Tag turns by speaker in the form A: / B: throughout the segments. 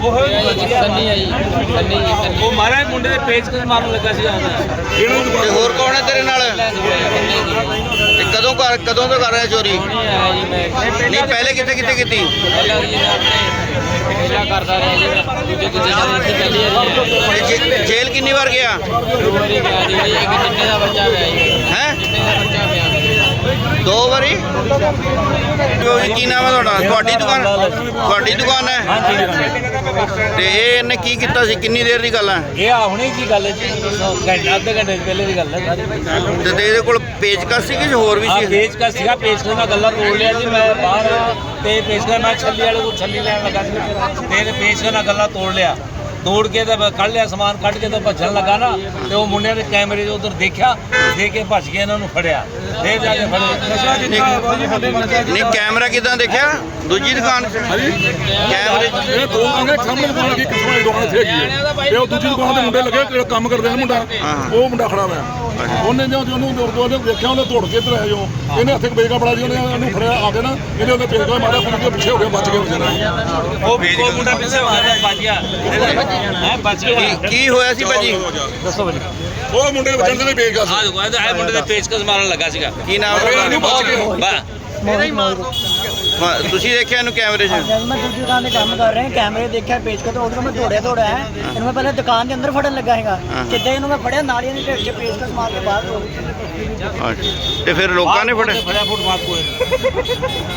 A: ਸੰਨੀ ਆ ਜੀ, ਸੰਨੀ ਜੀ।
B: ਉਹ ਮਾਰਾ ਮੁੰਡੇ ਦੇ ਪੇਚਕਸ ਮਾਰਨ ਲੱਗਾ ਸੀ
C: ਤੇ ਹੋਰ ਕੌਣ ਹੈ ਤੇਰੇ ਨਾਲ? ਤੇ ਕਦੋਂ ਤੋਂ ਕਰ ਰਿਹਾ ਚੋਰੀ? ਨਹੀਂ ਪਹਿਲੇ ਕਿੱਥੇ ਕੀਤੀ?
A: ਪਹਿਲਾਂ ਕਰਦਾ ਰਿਹਾ ਜੀ, ਦੂਜੇ ਜਗ੍ਹਾ ਇੱਥੇ ਚੱਲੀ ਆ।
C: ਜੇਲ੍ਹ ਕਿੰਨੀ ਵਾਰ ਗਿਆ?
A: 2 ਵਾਰੀ ਗਿਆ ਜੀ। ਇੱਕ ਚਿੱਟੇ ਦਾ ਬੱਚਾ ਪਿਆ ਜੀ।
C: ਹੈ
A: ਚਿੱਟੇ ਦਾ ਬੱਚਾ ਪਿਆ
C: 2 ਵਾਰੀ? ਕੀ ਨਾਮ ਹੈ ਤੁਹਾਡਾ? ਤੁਹਾਡੀ ਦੁਕਾਨ ਹੈ? ਤੇ ਇਹ ਇਹਨੇ ਕੀ ਕੀਤਾ ਸੀ? ਕਿੰਨੀ ਦੇਰ ਦੀ ਗੱਲ ਹੈ
B: ਇਹ? ਹੁਣੇ ਕੀ ਗੱਲ ਹੈ ਜੀ, ਅੱਧੇ ਘੰਟੇ ਪਹਿਲੇ ਦੀ ਗੱਲ ਹੈ ਸਾਰੀ।
C: ਤੇ ਇਹਦੇ ਕੋਲ ਪੇਚਕਸ ਸੀ ਕਿ ਹੋਰ ਵੀ ਸੀ?
B: ਪੇਚਕਸ ਸੀਗਾ, ਪੇਚਕਸ ਨਾਲ ਗੱਲਾਂ ਤੋੜ ਲਿਆ ਜੀ। ਮੈਂ ਬਾਹਰ ਤੇ ਪੇਚਕਸ ਮੈਂ ਛੱਲੀ ਵਾਲੇ ਕੋਲ ਛੱਲੀ ਲੈਣ ਲੱਗਾ ਸੀ ਤੇ ਇਹਨੇ ਪੇਚਕਸ ਨਾਲ ਗੱਲਾਂ ਤੋੜ ਲਿਆ। ਤੋੜ ਕੇ ਤਾਂ ਕੱਢ ਲਿਆ ਸਮਾਨ, ਕੱਢ ਕੇ ਤਾਂ ਭੱਜਣ ਲੱਗਾ ਨਾ। ਤੇ ਉਹ ਮੁੰਡਿਆਂ ਨੇ ਕੈਮਰੇ 'ਚ ਉਧਰ ਦੇਖਿਆ, ਦੇਖ ਕੇ ਭੱਜ ਕੇ ਇਹਨਾਂ ਨੂੰ ਫੜਿਆ। ਫੇਰ ਜਾ ਕੇ ਫੜੇ।
C: ਨਹੀਂ ਕੈਮਰਾ ਕਿਦਾਂ ਦੇਖਿਆ? ਦੂਜੀ ਦੁਕਾਨ ਕੈਮਰੇ
D: ਇਹ ਦੋ ਆਂਗੇ ਸਾਹਮਣੇ ਦੁਕਾਨ ਲੱਗੀ, ਕਿਸਮਾਂ ਦੀ ਦੁਕਾਨ ਇੱਥੇ ਹੈਗੀ ਹੈ ਤੇ ਉਹ ਦੂਜੀ ਦੁਕਾਨ ਦੇ ਮੁੰਡੇ ਲੱਗੇ, ਜਿਹੜਾ ਕੰਮ ਕਰਦੇ ਨੇ ਮੁੰਡਾ, ਉਹ ਮੁੰਡਾ ਖੜਾ ਹੋਇਆ। ਉਹਨੇ ਉਹਨੂੰ ਦੇਖਿਆ, ਉਹਨੇ ਤੋੜ ਕੇ ਇੱਧਰ ਆਇਆ ਜੋ। ਇਹਨੇ ਹੱਥੇ ਬੇਗਾ ਬੜਾ ਜੀ, ਉਹਨੇ ਉਹਨੂੰ ਫੜਿਆ ਆ ਕੇ ਨਾ, ਇਹਨੇ ਉਹਦੇ ਪੇਗਾ ਮਾਰਿਆ, ਫਿਰ ਪਿੱਛੇ ਹੋ ਗਿਆ, ਬਚ ਗਿਆ ਵਿਚਾਰਾ।
B: ਉਹ ਮੁੰਡਾ ਪਿੱਛੇ ਮਾਰਿਆ, ਬਚ ਗਿਆ। ਹੈ ਬਚ ਗਿਆ।
C: ਕੀ ਹੋਇਆ ਸੀ ਭਾਜੀ?
B: ਦੱਸੋ ਭਾਜੀ।
D: ਉਹ ਮੁੰਡੇ ਦੇ ਬੱਚੇ ਦੇ ਪੇਗਾ ਸੀ।
B: ਇਹ ਮੁੰਡੇ ਦੇ ਪੇਚਕਸ ਮਾਰਨ ਲੱਗਾ ਸੀਗਾ।
C: ਕੀ ਨਾਮ ਹੈ? ਤੁਸੀਂ ਦੇਖਿਆ ਇਹਨੂੰ ਕੈਮਰੇ 'ਚ?
E: मैं दूसरी दुकान में काम कर रहे हैं, कैमरे देखा पेज का तो उधर मैं दौड़ा है। इन्होंने पहले दुकान के अंदर फड़न लगा है, जिद्दां इन्होंने फड़िया नालियां ने ढेर पेज का मार के बाहर दौड़।
C: ਤੇ ਫਿਰ ਲੋਕਾਂ ਨੇ ਫੜਿਆ?
B: ਫੜਿਆ ਫੁੱਟਪਾਥ ਕੋਲ।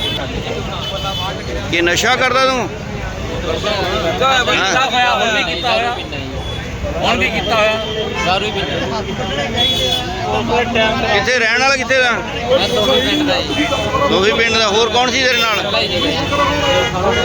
C: ਕੀ ਨਸ਼ਾ ਕਰਦਾ ਤੂੰ?
B: ਕੀਤਾ ਹੋਇਆ, ਹੁਣ ਵੀ ਕੀਤਾ ਹੋਇਆ, ਹੁਣ ਵੀ ਕੀਤਾ ਹੋਇਆ।
A: ਦਾਰੂ ਹੀ ਪੀਂਦਾ।
C: ਕਿੱਥੇ ਰਹਿਣ ਵਾਲਾ? ਕਿੱਥੇ ਦਾ?
A: ਮੈਂ 2 ਪਿੰਡ ਦਾ ਜੀ।
C: ਦੋਹੀ ਪਿੰਡ ਦਾ। ਹੋਰ ਕੌਣ ਸੀ ਤੇਰੇ ਨਾਲ?
A: ਪਹਿਲਾਂ ਹੀ ਜੀ।